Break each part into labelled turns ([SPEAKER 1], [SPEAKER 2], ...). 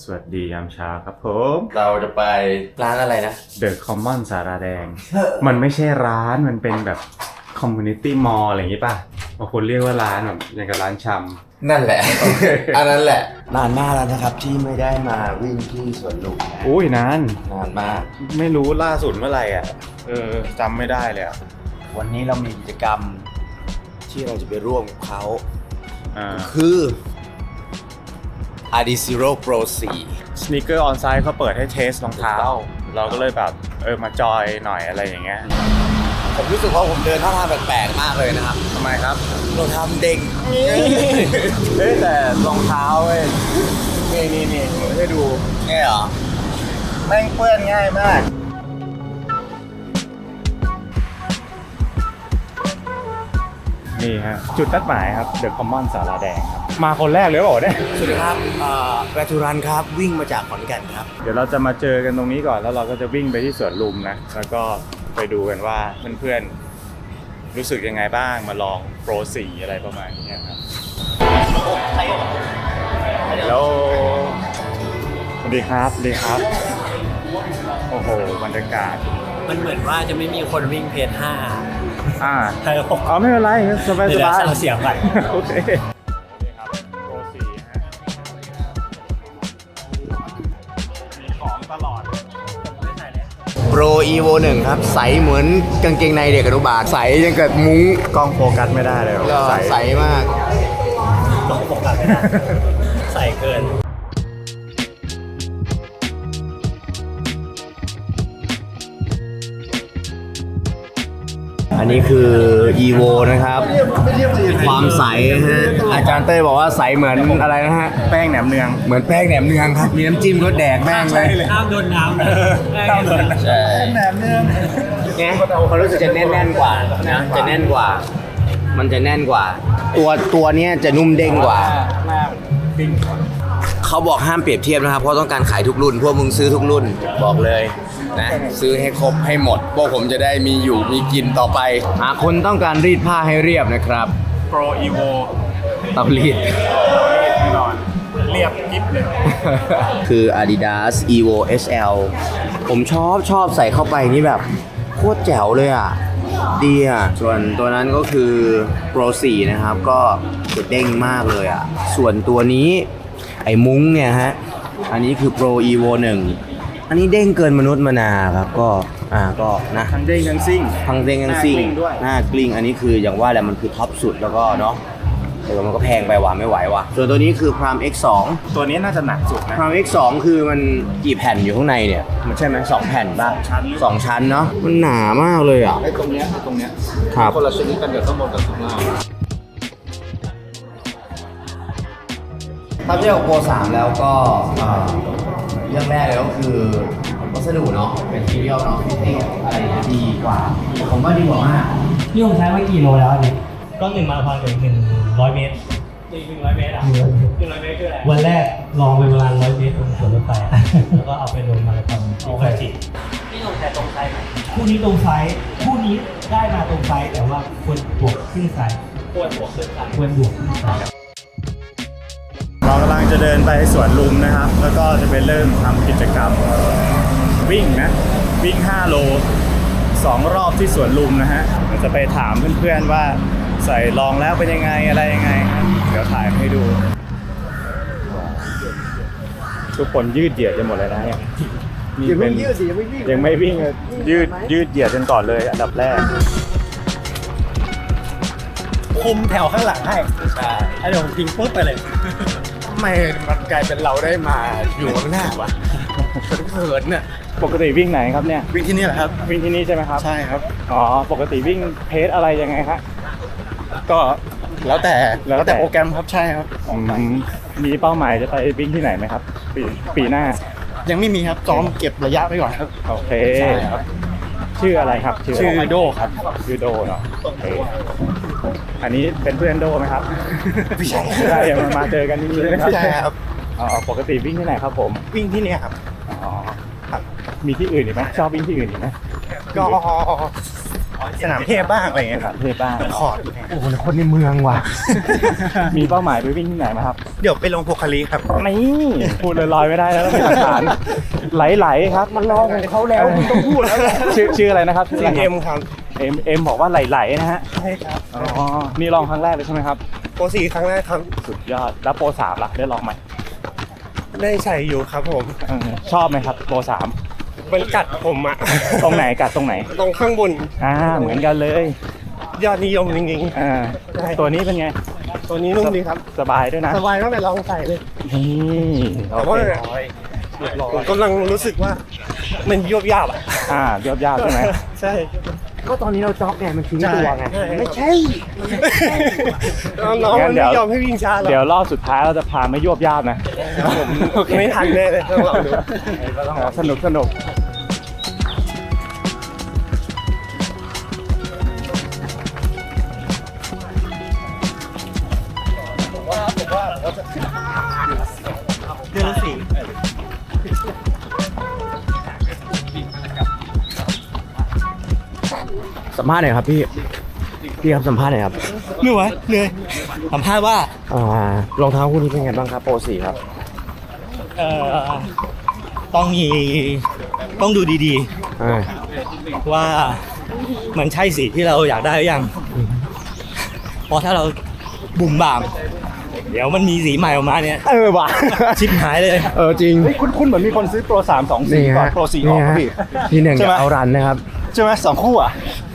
[SPEAKER 1] สวัสดียามเช้าครับผม
[SPEAKER 2] เราจะไปร้านอะไรนะ
[SPEAKER 1] The Common สาราแดง มันไม่ใช่ร้านมันเป็นแบบ Community Mall อะไรอย่างงี้ป่ะบางคนเรียกว่าร้านแบบอย่างกับร้านชำ
[SPEAKER 2] นั่นแหละ อันนั้นแหละนานมากแล้วนะครับที่ไม่ได้มาวิ่งที่สวนลุมนะ
[SPEAKER 1] อุ้ยนาน
[SPEAKER 2] นานมาก
[SPEAKER 1] ไม่รู้ล่าสุดเมื่อไหร่อ่ะจำไม่ได้เลยอ่ะ
[SPEAKER 2] วันนี้เรามีกิจกรรมที่เราจะไปร่วมกับเขา
[SPEAKER 1] อ่า
[SPEAKER 2] คือ Adizero Pro 4
[SPEAKER 1] Sneaker On Site เขาเปิดให้เทสรองเท้า เราก็เลยแบบมาจอยหน่อยอะไรอย่างเงี้ย
[SPEAKER 2] ผมรู้สึกว่าผมเดินท่าทางแปลกๆมากเลยนะครับ
[SPEAKER 1] ทำไมครับ
[SPEAKER 2] เราทำเด้ง
[SPEAKER 1] แต่รองเท้าเว้ยนี่ให้ดู
[SPEAKER 2] แง่เหรอ
[SPEAKER 1] แม่งเปื้อนง่ายมาก นี่ฮะจุดนัดหมายครับ The Common สาราแดงครับ มาคนแรกเลยเปล่าเนี่ย
[SPEAKER 2] สวัสดีครับแวทูรันครับวิ่งมาจากขอนแก่นครับ
[SPEAKER 1] เดี๋ยวเราจะมาเจอกันตรงนี้ก่อนแล้วเราก็จะวิ่งไปที่สวนลุมนะ แล้วก็ไปดูกันว่าเพื่อนๆรู้สึกยังไงบ้างมาลองโปร4อะไรประมาณนี้ครับแล้วสวัสดีครับสวัสดีครับ โอ้โหบรรยากาศ
[SPEAKER 3] มันเหมือนว่าจะไม่มีคนวิ่งเพจ5 ใช่ผม
[SPEAKER 1] อ๋อไม่เป็นไรสบาย
[SPEAKER 3] เดี๋ยว
[SPEAKER 1] ๆ
[SPEAKER 3] เราเสียงก่อน
[SPEAKER 1] โอเคครับโปร4ฮะมีของตลอด
[SPEAKER 2] Pro Evo 1 ครับ ใสเหมือนกางเกงในเด็กอนุบาลใสยังกับมุ้ง
[SPEAKER 1] กล้องโฟกัสไม่ได้เลย
[SPEAKER 2] ก็ใสมาก
[SPEAKER 3] ต้องปกติไม่ได้ใส่เกิน
[SPEAKER 2] อันนี้คือ Evo นะครับ ความใสฮะอาจารย์เต้ยบอกว่าใสเหมือนอะไรนะฮะ
[SPEAKER 1] แป้งแหนมเนือง
[SPEAKER 2] เหมือนแป้งแหนมเนืองครับ มีน้ำจิ้มรสแดกแม่งเลย
[SPEAKER 3] ห้ามโดนน้ำนะ
[SPEAKER 1] ห้ามโดนน้ำ
[SPEAKER 2] ใช่
[SPEAKER 1] แหนมเนือง
[SPEAKER 2] เนี่ยเขารู้สึกจะแน่นๆกว่านะจะแน่นกว่า มันจะแน่นกว่า ตัวเนี้ยจะนุ่มเด้งกว่า
[SPEAKER 1] หน้าปิ้ง
[SPEAKER 2] เขาบอกห้ามเปรียบเทียบนะครับ เพราะต้องการขายทุกรุ่น พวกมึงซื้อทุกรุ่นบอกเลยนะซื้อให้ครบให้หมด พวกผมจะได้มีอยู่มีกินต่อไป หากคนต้องการรีดผ้าให้เรียบนะครับ
[SPEAKER 1] โปรอีโว
[SPEAKER 2] ต้องรีด
[SPEAKER 1] แน่นอนเรียบกิ๊บเลย
[SPEAKER 2] คือ Adidas Evo SL ผมชอบใส่เข้าไปนี่แบบโคตรแจ๋วเลยอ่ะ ดีอ่ะ ส่วนตัวนั้นก็คือ Pro 4 นะครับ ก็จะเด้งมากเลยอ่ะ ส่วนตัวนี้ไอ้มุ้งเนี่ยฮะ อันนี้คือ Pro Evo 1 อันนี้เด้งเกินมนุษย์มานาครับ ก็นะ
[SPEAKER 1] ทั้งเด้งทั้งซิ่ง
[SPEAKER 2] ทั้งเด้งทั้งซิ่ง
[SPEAKER 1] หน้ากลิ้งด้วย
[SPEAKER 2] หน้ากลิ้ง อันนี้คืออย่างว่าแหละมันคือท็อปสุดแล้วก็เนาะแต่ว่ามันก็แพงไปว่ะไม่ไหวว่ะ ส่วนตัวนี้คือ Prime X2
[SPEAKER 1] ตัวนี้น่าจะหนักสุดนะ
[SPEAKER 2] Prime X2 คือมันกี่แผ่นอยู่ข้างในเนี่ย มันใช่ไหม2 แผ่นป่ะ
[SPEAKER 1] ชั้น
[SPEAKER 2] 2 ชั้นเนาะ มันหนามากเลยอ่ะ
[SPEAKER 4] ไอ้ตรงเนี้ย
[SPEAKER 2] ครับ
[SPEAKER 4] คนละชนิดกันเดี๋ยวข้างบนกับข้างล่าง
[SPEAKER 2] ถ้าเทียบกับโปร3แล้วก็เรื่องแรกเลยก็คือวัสดุเนาะ เป็นทีเรียลเนาะฟิตติ้งอะไรอย่างเงี้ยดีกว่า ผมว่าดีกว่ามาก
[SPEAKER 3] นี่ผมใช้มากี่โลแล้วอันนี้ก็1มาราธอนกับ100 เมตร100 เมตรอ่ะ100 เมตรคืออะไรวันแรกลองไปประมาณ100 เมตรตรงสวนรถไฟแล้วก็เอาไปลงมาราธอนที่กระจินี่ลงแต่ตรงไซส์ไหมคู่นี้ตรงไซส์คู่นี้ได้มาตรงไซส์แต่ว่าควรบวกขึ้นไซส์ควรบวกขึ้นไซส์ควรบวกขึ้นไซส์
[SPEAKER 1] เรากำลังจะเดินไปสวนลุมนะครับ แล้วก็จะไปเริ่มทำกิจกรรมวิ่งนะ วิ่ง5โล2รอบที่สวนลุมนะฮะเราจะไปถามเพื่อนๆว่าใส่ลองแล้วเป็นยังไงอะไรยังไงครับเดี๋ยวถ่ายให้ดู ทุกคนยืดเหยียดกันหมดเลยนะเนี่ยยังไม่ยืดสิยังไม่วิ่งเลยยืดเหยียดกันก่อนเลยอันดับแรก
[SPEAKER 3] คุมแถวข้างหลังให้ใช่เดี๋ยวผมทิ้งปุ๊บไปเลย
[SPEAKER 2] ทำไมมันกลายเป็นเราได้มาอยู่ข้างหน้าวะเขินน่ะ
[SPEAKER 1] ปกติวิ่งไหนครับเนี่ย
[SPEAKER 4] วิ่งที่นี่แหละครับ
[SPEAKER 1] วิ่งที่นี่ใช่ไหมครับ
[SPEAKER 4] ใช่ครับ
[SPEAKER 1] อ๋อปกติวิ่งเพจอะไรยังไงครับ
[SPEAKER 4] ก็แล้วแต่
[SPEAKER 1] แล้วแต่
[SPEAKER 4] โปรแกรมครับใช่ครับ
[SPEAKER 1] มีเป้าหมายจะไปวิ่งที่ไหนไหมครับ ปีหน้า
[SPEAKER 4] ยังไม่มีครับซ้อมเก็บระยะไว้ก่อนครับ
[SPEAKER 1] โอเค
[SPEAKER 4] ใช่ครับ
[SPEAKER 1] ชื่ออะไรครับ
[SPEAKER 4] ชื่อโดครับ
[SPEAKER 1] ชื่อโดเนาะโอเคอันนี้เป็นเพื่อนโดไหมครับ
[SPEAKER 4] ไม่ใช่
[SPEAKER 1] ใช่มาเจอกันที่นี่นะครั
[SPEAKER 4] ใช่ครับ
[SPEAKER 1] อ๋อปกติวิ่งที่ไหนครับผม
[SPEAKER 4] วิ่งที่เนี่ยครับ
[SPEAKER 1] อ๋อมีที่อื่นอีกไหมชอบวิ่งที่อื่นอีกไหม
[SPEAKER 4] ก็สนามเทพบ้างอะไรอย่างเงี้ยครับ
[SPEAKER 1] เทพบ้าง
[SPEAKER 4] คอร์ด
[SPEAKER 2] โอ้โหคนในเมืองว่ะ
[SPEAKER 1] มีเป้าหมายไปวิ่งที่ไหนไหมครับ
[SPEAKER 4] เดี๋ยวไปลงโพคาลีครับ
[SPEAKER 1] นี่พูดลอยๆไม่ได้แล้วต้องมีหลักฐานไหลๆครับมันรอของเขาแล้วคุณต้องพูดแล้วชื่ออะไรนะครับ
[SPEAKER 4] ชื่อเอ็มครับ
[SPEAKER 1] เอ็มบอกว่าไหลๆนะฮะ
[SPEAKER 4] ใช่ครับ
[SPEAKER 1] อ๋อนี่ลองครั้งแรกเลยใช่ไหมครับ
[SPEAKER 4] โปร4ครั้งแรกครับ
[SPEAKER 1] สุดยอดแล้วโปร3ล่ะได้ลองไหม
[SPEAKER 4] ได้ใส่อยู่ครับผม
[SPEAKER 1] ชอบไหมครับโปร3
[SPEAKER 4] มันกัดผมอะ
[SPEAKER 1] ตรงไหนกัดตรงไหน
[SPEAKER 4] ตรงข้างบน
[SPEAKER 1] เหมือนกันเลย
[SPEAKER 4] ยอดนิยมจริง ใช่
[SPEAKER 1] ตัวนี้เป็นไง
[SPEAKER 4] ๆ ตัวนี้นุ่มดีครับ
[SPEAKER 1] สบายด้วยนะ
[SPEAKER 4] สบายตั้งแต่ลองใส่เลย
[SPEAKER 1] นี่โอ
[SPEAKER 4] แต่ว่า
[SPEAKER 1] เค
[SPEAKER 4] ผมกำลังรู้สึกว่ามันยวบยาบอะ
[SPEAKER 1] ยอดใช่ไหม
[SPEAKER 4] ใช่
[SPEAKER 2] ก็ตอนนี้เราจ็อกไงมันทิ้งตัวไง
[SPEAKER 4] ใช่
[SPEAKER 2] ไม่ใช่
[SPEAKER 4] น้องๆมันไม่ยอมให้วิ่งช้าหรอก
[SPEAKER 1] เดี๋ยวรอบสุดท้ายเราจะพาไม่ยวบยาบนะ
[SPEAKER 4] ผมไม่ทันแน่เลยต้องลองดู
[SPEAKER 1] สนุก
[SPEAKER 4] เดือนละ4
[SPEAKER 2] สัมภาษณ์หน่อยครับพี่ครับสัมภาษณ์หน่อยครับ
[SPEAKER 3] เหนื่อยสัมภาษณ์ว่าร
[SPEAKER 2] องเท้าคู่นี้เป็นไงบ้างครับโปร4ครับ
[SPEAKER 3] ต้องดูดี
[SPEAKER 2] อ่า
[SPEAKER 3] ๆว่ามันใช่สีที่เราอยากได้หรือยังเพราะถ้าเราบุ่มบ่าม เดี๋ยวมันมีสีใหม่ออกมาเนี่ย
[SPEAKER 2] ว่ะ
[SPEAKER 3] ชิบหายเลย
[SPEAKER 2] จริง
[SPEAKER 1] ๆคุณเหมือนมีคนซื้อโปร3 2
[SPEAKER 2] นี่
[SPEAKER 1] 4ก่อน
[SPEAKER 2] ฮะ
[SPEAKER 1] โปร4ออกครับพี่
[SPEAKER 2] ที่หนึ่ง
[SPEAKER 1] ใช่ไหม
[SPEAKER 2] เอารันนะครับ
[SPEAKER 1] ใช่ไหม2 คู่อ่ะ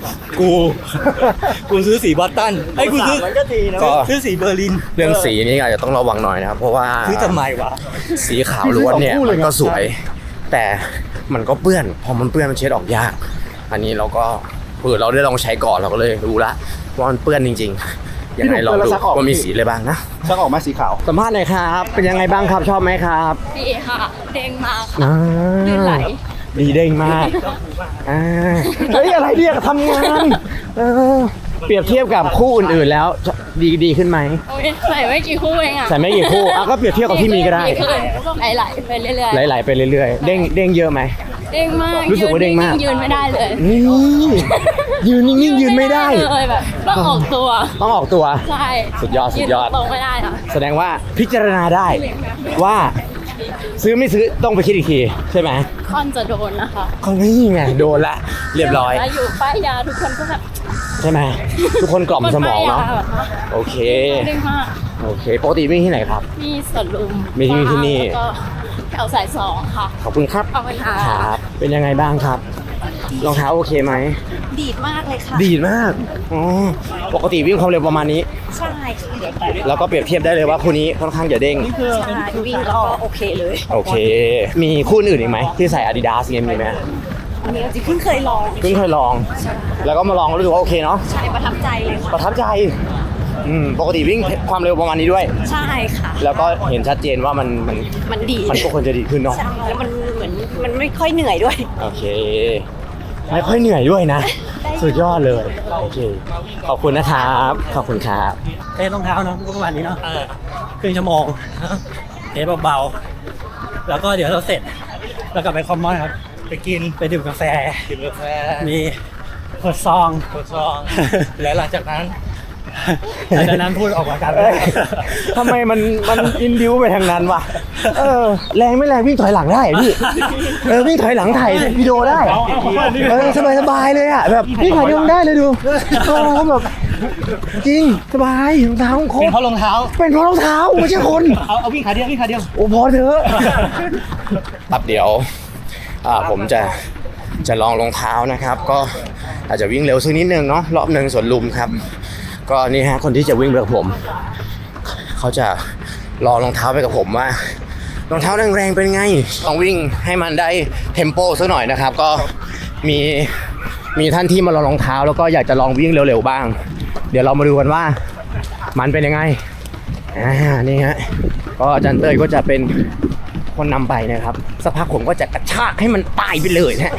[SPEAKER 3] กูซื้อสีบอสตันไอ้ยกูซื้อ
[SPEAKER 4] มันก็ดีนะ
[SPEAKER 2] ก็
[SPEAKER 3] ซื้อสีเบอร์ลิน
[SPEAKER 2] เรื่องสีนี่อาจจะต้องระวังหน่อยนะครับ เพราะว่า
[SPEAKER 3] ซื้อทำไมวะ
[SPEAKER 2] สีขาวล้วนเนี่ย
[SPEAKER 1] พี่ซื้อสองคู่เลย
[SPEAKER 2] มันก็สวย แต่มันก็เปื้อน พอมันเปื้อนมันเช็ดออกยาก อันนี้เราก็เราได้ลองใช้ก่อนเราก็เลยรู้ละว่ามันเปื้อนจริงๆยังไงลองดูว่ามีสีอะไรบ้างนะ
[SPEAKER 1] ชักออกมาสีขาว
[SPEAKER 2] สัมภาษณ์หน่อยครับ เป็นยังไงบ้างครับชอบไหมครับ
[SPEAKER 5] ดีค่ะ เด้งมากค่ะ
[SPEAKER 2] อ่า
[SPEAKER 5] ลื่นไหล
[SPEAKER 2] ดีเด้งมากเฮ้ยอะไรเนี่ยทำงานเปรียบเทียบกับคู่อื่นๆแล้วดีขึ้นไหม
[SPEAKER 5] โอ้ยใส่ไม่กี่คู่เองอ่ะ
[SPEAKER 2] ใส่ไม่กี่คู่ก็เปรียบเทียบกับที่มีก็ได้
[SPEAKER 5] ขึ้นไหลๆไปเรื่อย
[SPEAKER 2] ไหลๆไปเรื่อยๆเด้งเยอะไหม
[SPEAKER 5] ๆเด้งมาก
[SPEAKER 2] รู้สึกว่าเด้งมาก
[SPEAKER 5] ยืนไม่ได้เลย
[SPEAKER 2] นี่ยืนนิ่งๆยืนไม่ได้
[SPEAKER 5] เลยแบบต้องออกตัว
[SPEAKER 2] ต้องออกตัว
[SPEAKER 5] ใช่
[SPEAKER 2] สุดยอด
[SPEAKER 5] นตรงไม่ได้ค่ะ
[SPEAKER 2] แสดงว่าพิจารณาได้ว่าซื้อไม่ซื้อต้องไปคิดอีกทีใช่ไหม
[SPEAKER 5] ค่อนจะโดนนะคะ
[SPEAKER 2] ก็นี่ไงโดนละเรียบร้อย
[SPEAKER 5] แล้วอยู่ป้ายยาทุกคนก็แบบ
[SPEAKER 2] ใช่ไหมทุกคนกล่อมสมองเนาะ
[SPEAKER 5] ป้ยยแบบ
[SPEAKER 2] โอเค
[SPEAKER 5] เด้งมาก
[SPEAKER 2] โอเคปกติวิ่งที่ไหนครับ
[SPEAKER 5] มีสวนลุม
[SPEAKER 2] มีที่นี่
[SPEAKER 5] แล้วก็แถวสาย2ค่ะ
[SPEAKER 2] ขอบคุณครับ
[SPEAKER 5] ขอบคุณค่ะ
[SPEAKER 2] ครับเป็นยังไงบ้างครับรองเท้าโอเคไหม
[SPEAKER 5] ดีดมากเลยค่ะ
[SPEAKER 2] ดีดมากอ๋อปกติวิ่งความเร็วประมาณนี้
[SPEAKER 5] ใช่ค่ะ
[SPEAKER 2] แล้วก็เปรียบเทียบได้เลยว่าคู่นี้ค่อนข้างจะเด้ง
[SPEAKER 5] ใช่วิ่งแล้วก็โอเคเลย
[SPEAKER 2] โอเค มีคู่อื่นอีกไหมที่ใส่ Adidas เงี้ยมีไหม
[SPEAKER 5] อันนี้จริงเพิ่งเคยลอง
[SPEAKER 2] เพิ่งเคยลอง แล้วก็มาลองรู้สึกว่าโอเคเนาะ
[SPEAKER 5] ใช่ประทับใจเลยค่ะ
[SPEAKER 2] ประทับใจปกติวิ่งความเร็วประมาณนี้ด้วย
[SPEAKER 5] ใช่ค่ะ
[SPEAKER 2] แล้วก็เห็นชัดเจนว่ามัน
[SPEAKER 5] มันดี
[SPEAKER 2] มันก็ควรจะดีขึ้นเนาะ
[SPEAKER 5] ใช่แล้วมันเหมือนมันไม่ค่อยเหนื่อยด้วย
[SPEAKER 2] โอเค ไม่ค่อยเหนื่อยด้วยนะ สุดยอดเลย โอเค ขอบคุณนะครับ ขอบคุณครับ
[SPEAKER 3] เทสรองเท้าเนาะก็ประมาณนี้เนาะครึ่งชั่วโมงเทสเบาๆแล้วก็เดี๋ยวเราเสร็จเรากลับไปคอมมอนครับ ไปกินไปดื่มกาแฟมีเปิดซอง แล้วหลังจากนั้นพูดออกมากัน
[SPEAKER 2] ทำไมมันอินดิวไปทางนั้นวะแรงไม่แรงวิ่งถอยหลังได้พี่วิ่งถอยหลังถ่ายวิดีโอได้สบายเลยอ่ะแบบวิ่งถอยหลังได้เลยดูแบบจริงสบายรองเท้าครบ
[SPEAKER 3] เป็นเพราะรองเท้า
[SPEAKER 2] เป็นเพราะรองเท้าไม่ใช่คน
[SPEAKER 3] เอาวิ่งขาเดียว
[SPEAKER 2] โอ้พอเถอะครับเดี๋ยวผมจะลองรองเท้านะครับ ก็อาจจะวิ่งเร็วสักนิดนึงเนาะรอบหนึ่งสวนลุมครับ ก็นี่ฮะคนที่จะวิ่งไปกับผมเขาจะรอรองเท้าไปกับผมว่ารองเท้าแรงๆเป็นไงต้องวิ่งให้มันได้เทมโปสักหน่อยนะครับ ก็มีท่านที่มารอรองเท้าแล้วก็อยากจะลองวิ่งเร็วๆบ้าง เดี๋ยวเรามาดูกันว่ามันเป็นยังไงนี่ฮะก็อาจารย์เต้ยก็จะเป็นคนนำไปนะครับสักพักผมก็จะกระชากให้มันตายไปเลยนะ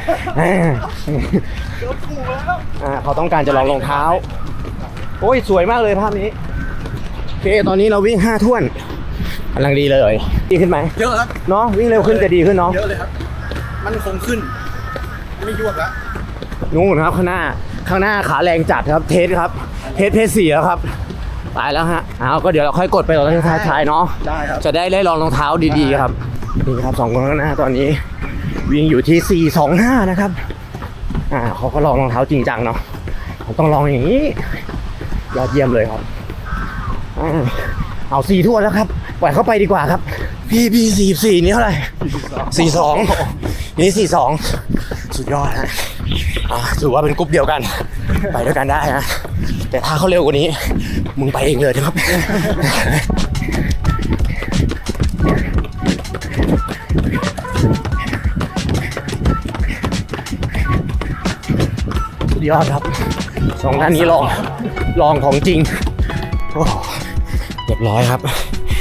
[SPEAKER 2] เขาต้องการจะลองรองเท้าโอ้ยสวยมากเลยภาพนี้โอเคตอนนี้เราวิ่ง5 ถ้วนกำลังดีเลยดีขึ้นไหม
[SPEAKER 4] เยอะครับ
[SPEAKER 2] เนาะวิ่งเร็วขึ้นจะดีขึ้นเนาะ
[SPEAKER 4] เยอะเลยครับ มันคงขึ้น ไม่ยวบแล้ว
[SPEAKER 2] นู่นครับข้างหน้าข้างหน้าขาแรงจัดครับเทสครับเทส4แล้วครับตายแล้วฮะเอาก็เดี๋ยวเราค่อยกดไปตอนท้ายๆเนาะ
[SPEAKER 1] ได้ครับ
[SPEAKER 2] จะได้ลองรองเท้าดีๆครับนี่ครับ2คนข้างหน้าตอนนี้วิ่งอยู่ที่425นะครับเขาก็ลองรองเท้าจริงจังเนาะผมต้องลองอย่างนี้ยอดเยี่ยมเลยครับเอา4ทั่วแล้วครับปล่อยเข้าไปดีกว่าครับพี่44นี่เท่าไหร่42นี่42สุดยอดฮะถือว่าเป็นกรุ๊ปเดียวกันไปด้วยกันได้นะแต่ถ้าเขาเร็วกว่านี้มึงไปเองเลยนะครับสุดยอดครับ2ท่านนี้ลองของจริงโอ้เรียบร้อยครับ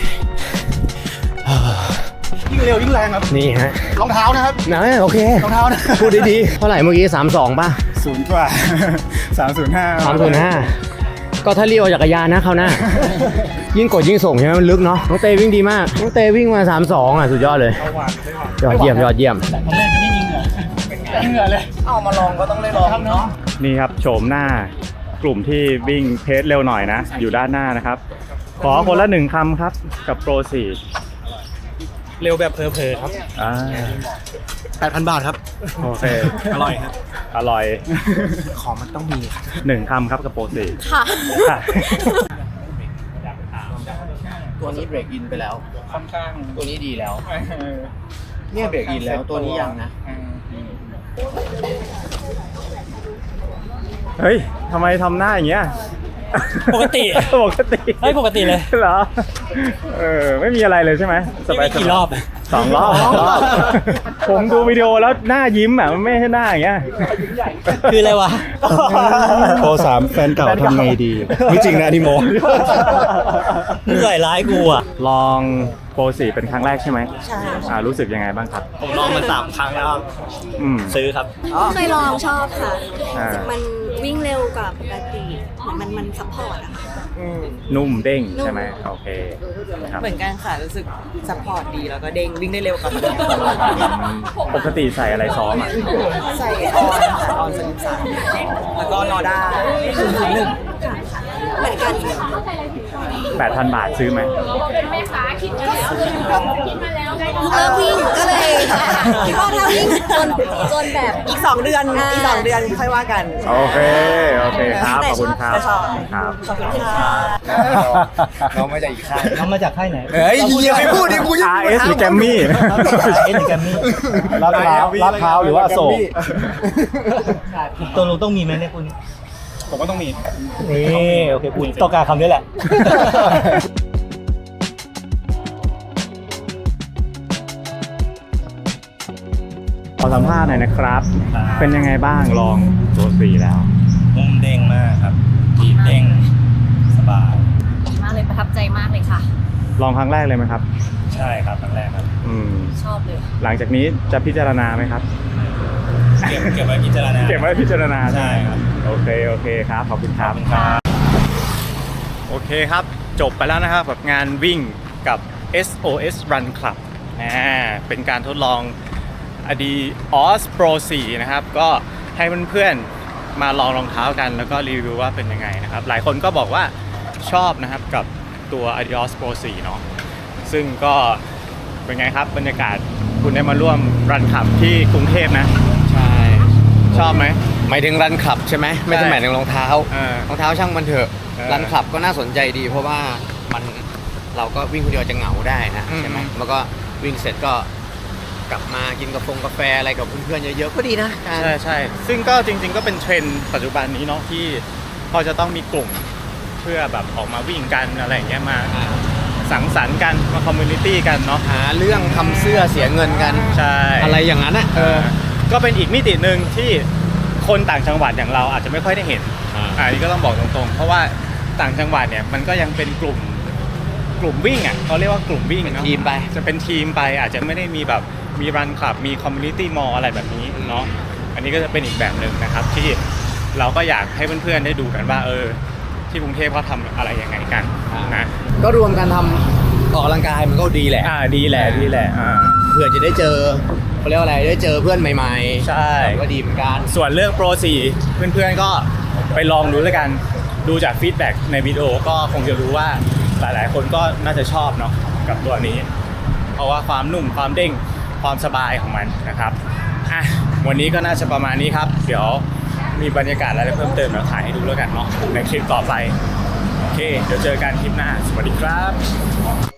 [SPEAKER 1] ยิ่งเร็วยิ่งแรงครับ
[SPEAKER 2] นี่ฮะ
[SPEAKER 1] รองเท้านะครับ
[SPEAKER 2] นะโอเค
[SPEAKER 1] รองเท้านะ
[SPEAKER 2] พูดดีๆเท่าไหร่เมื่อกี้32ป่ะ
[SPEAKER 1] 0 กว่า 305
[SPEAKER 2] 305ก็ถ้าเรียกว่าจักรยานนะเขาวหน้า ยิ่งกดยิ่งส่งใช่ไหมมันลึกเนาะน้องเตวิ่งดีมากน้องเตวิ่งมา32สุดยอดเลยยอดเยี่ยม
[SPEAKER 3] ตอนแรกจะไม่มีเหงื่อไม่เหงื่อเลย
[SPEAKER 2] เอามาลองก็ต้องได้ลองเนาะ
[SPEAKER 1] นี่ครับโฉมหน้ากลุ่มที่วิ่งเพจเร็วหน่อยนะ อยู่ด้านหน้านะครับ ขอคนละ1 คำครับกับโปร 4
[SPEAKER 3] เร็วแบบเพอๆครับ
[SPEAKER 4] 8,000 บาทครับ
[SPEAKER 1] โอเค
[SPEAKER 4] อร่อยครับ
[SPEAKER 1] อร่อย
[SPEAKER 4] ของมันต้องมีครับ
[SPEAKER 1] 1 คำครับกับโปร 4
[SPEAKER 5] ค่ะ
[SPEAKER 1] ค่ะ
[SPEAKER 2] ตัวนี้เบรกอินไปแล้วค่อนข้างตัวนี้ดีแล้วเนี่ยเบรกอินแล้วตัวนี้ยังนะ
[SPEAKER 1] เฮ้ยทำไมทำหน้าอย่างเงี้ย
[SPEAKER 3] ปกติ
[SPEAKER 1] ปกติ
[SPEAKER 3] เฮ้ยปกติเลย
[SPEAKER 1] เหรอ ไม่มีอะไรเลยใช่ไหมสบาย
[SPEAKER 3] กี่รอบ
[SPEAKER 1] 2 รอบผมดูวิดีโอแล้วหน้ายิ้มอ่ะมันไม่ใช่หน้าอย่างเงี้ย
[SPEAKER 3] คืออะไรวะ
[SPEAKER 4] โปร3แฟนเก่าทำไงดี ไม่จริงนะที่โม
[SPEAKER 3] มึงใส่ร้ายกูอ่ะ
[SPEAKER 1] ลองโปร 4 เป็นครั้งแรกใช่ไหม
[SPEAKER 5] ใช่
[SPEAKER 1] รู้สึกยังไงบ้างครับ
[SPEAKER 3] ผมลองมา3 ครั้งแล้วครับ
[SPEAKER 1] อืม
[SPEAKER 3] ซื้อครับ
[SPEAKER 5] เคยลองชอบค่ะ
[SPEAKER 1] อ่า
[SPEAKER 5] มันวิ่งเร็วกว่าปกติเหมือนมันซัพพอร์ตอะค่ะ
[SPEAKER 1] นุ่มเด้งใช่ไหมโอเคครับ
[SPEAKER 6] เหมือนกันค่ะ รู้สึกซัพพอร์ตดีแล้วก็เด้งวิ่งได้เร็วกว่าปกติ
[SPEAKER 1] ปกติใส่อะไรซ้อมอ่ะ
[SPEAKER 6] ใส่ออนค่ะออน33แล้วก็นอด้า001
[SPEAKER 5] เหมือนกัน
[SPEAKER 1] 8,000 บาทซื้อไหม
[SPEAKER 5] เริ่มวิ่งก็เลยคิดว่าถ้าวิ่งจนแบบ
[SPEAKER 6] อีก 2 เดือนอีก 2 เดือนค่อยว่ากัน
[SPEAKER 1] โอเคครับ ขอบคุณครับ
[SPEAKER 6] แต่ชอบ
[SPEAKER 1] ครับ
[SPEAKER 6] ขอบคุณค่ะ
[SPEAKER 2] เรามาจากอีกค่าย
[SPEAKER 3] น้องมาจากค่ายไหน
[SPEAKER 2] เฮ้ยอย่าไปพูดดิกูยัง
[SPEAKER 1] RS หรือแกมมี่
[SPEAKER 3] เอ็นแกมมี่
[SPEAKER 1] ลาดพร้าวหรือว่าอโศก
[SPEAKER 3] ตัวลุงต้องมีไหมเนี่ยคุณ
[SPEAKER 1] ผมก็ต้องมี
[SPEAKER 3] นี่โอเคคุณต้องการคำนี้แหละ
[SPEAKER 1] ขอสัมภาษณ์หน่อยนะครับ เป็นยังไงบ้างลองตัว 4 แล้ว
[SPEAKER 3] นุ่มเด้งมากครับดีดเด้งสบาย
[SPEAKER 7] ดีมากเลยประทับใจมากเลยค่ะ
[SPEAKER 1] ลองครั้งแรกเลยไหมครับ
[SPEAKER 3] ใช่ครับครั้งแรกครับ
[SPEAKER 7] ชอบเลย
[SPEAKER 1] หลังจากนี้จะพิจารณาไหมครับ
[SPEAKER 3] เก็บไว้พิจารณา
[SPEAKER 1] เก็บไว้พิจารณา
[SPEAKER 3] ใช่ครับ
[SPEAKER 1] โอเคครับ ขอบคุณครับ โอเคครับ จบไปแล้วนะครับกับงานวิ่งกับ SOS Run Club เป็นการทดลอง Adios Pro 4 นะครับ ก็ให้เพื่อนๆมาลองรองเท้ากันแล้วก็รีวิวว่าเป็นยังไงนะครับ หลายคนก็บอกว่าชอบนะครับกับตัว Adios Pro 4 เนาะซึ่งก็เป็นไงครับบรรยากาศคุณได้มาร่วมรันขับที่กรุงเทพนะ
[SPEAKER 2] ใช่
[SPEAKER 1] ชอบไหม
[SPEAKER 2] หมายถึงรันคลับใช่ไหมไม่ใช่หมายถึงรองเท้า
[SPEAKER 1] เออ
[SPEAKER 2] รองเท้าช่างมันเถอะ รันคลับก็น่าสนใจดี เพราะว่ามันเราก็วิ่งคนเดียวจะเหงาได้นะใช่ไหมแล้วก็วิ่งเสร็จก็กลับมากินกาแฟอะไรกับเพื่อนๆเยอะๆก็ดีนะการ
[SPEAKER 1] ใช่ซึ่งก็จริงๆก็เป็นเทรนด์ปัจจุบันนี้เนาะที่เขาจะต้องมีกลุ่มเพื่อแบบออกมาวิ่งกันอะไรอย่างเงี้ยมาสังสรรค์กันมาคอมมูนิตี้กันเนาะ
[SPEAKER 2] หาเรื่องทำเสื้อเสียเงินกัน
[SPEAKER 1] ใช่
[SPEAKER 2] อะไรอย่างนั้นอ่ะ
[SPEAKER 1] ก็เป็นอีกมิติหนึ่งที่คนต่างจังหวัดอย่างเราอาจจะไม่ค่อยได้เห็นอันนี้ก็ต้องบอกตรงๆเพราะว่าต่างจังหวัดเนี่ยมันก็ยังเป็นกลุ่มวิ่งอ่ะเขาเรียกว่ากลุ่มวิ่ง
[SPEAKER 2] เป็น
[SPEAKER 1] เนาะ
[SPEAKER 2] ทีมไป
[SPEAKER 1] จะเป็นทีมไปอาจจะไม่ได้มีแบบมีรันคลับมีคอมมูนิตี้มอลอะไรแบบนี้เนาะอันนี้ก็จะเป็นอีกแบบหนึ่งนะครับที่เราก็อยากให้เพื่อนๆได้ดูกันว่าที่กรุงเทพเขาทำอะไรยังไงกันนะ
[SPEAKER 2] ก็รวมกันทำออกกำลังกายมันก็ดีแหละ
[SPEAKER 1] ดีแหละ
[SPEAKER 2] ผื่อจะได้เจอเขาเรียกว่าอะไรได้เจอเพื่อนใหม่ๆ
[SPEAKER 1] ใช่
[SPEAKER 2] ก็ดีเหมือนกัน
[SPEAKER 1] ส่วนเรื่อง Pro 4 เพื่อนๆก็ไปลองดูแล้วกัน ดูจากฟีดแบ็กในวิดีโอก็คงจะรู้ว่าหลายๆคนก็น่าจะชอบเนาะกับตัวนี้ เพราะว่าความนุ่มความเด้งความสบายของมันนะครับอ่ะวันนี้ก็น่าจะประมาณนี้ครับ เดี๋ยวมีบรรยากาศอะไรเพิ่มเติมเดี๋ยวถ่ายให้ดูแล้วกันเนาะในคลิปต่อไปโอเคเดี๋ยวเจอกันคลิปหน้าสวัสดีครับ